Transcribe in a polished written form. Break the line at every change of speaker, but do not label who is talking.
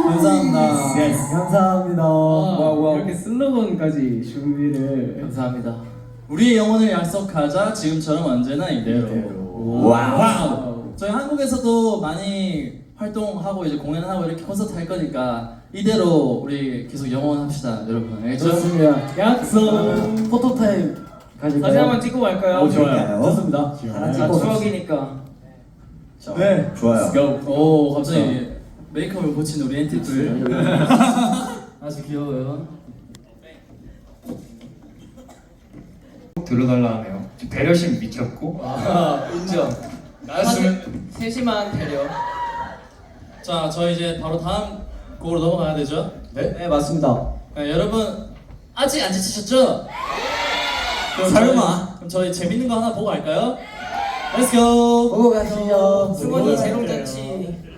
감사합니다.
Yes. 감사합니다.
이렇게 슬로건까지 준비를.
감사합니다. 우리의 영혼을 약속하자. 지금처럼 언제나 이대로.
와우.
저희 한국에서도 많이 활동하고 이제 공연하고 이렇게 콘서트 할 거니까 이대로 우리 계속 영원합시다, 여러분. 알겠죠?
좋습니다. 약속. 포토타임 가질까요?
사진 한번 찍고 갈까요?
좋아요. 좋습니다. 하나
아,
찍고
추억이니까.
네.
좋아요.
Let's go. 오, 갑자기 메이크업을 고친 우리 엔티들. 아주 귀여워요.
들어달라 하네요. 배려심 미쳤고.
인정.
나였으면
세심한 배려.
자, 저희 이제 바로 다음 곡으로 넘어가야 되죠?
네, 맞습니다.
네, 여러분 아직 안 지치셨죠? 그럼
설마.
그럼 저희 재밌는 거 하나 보고 갈까요? Let's go.
보고 가시죠.
승원이 재롱잔치.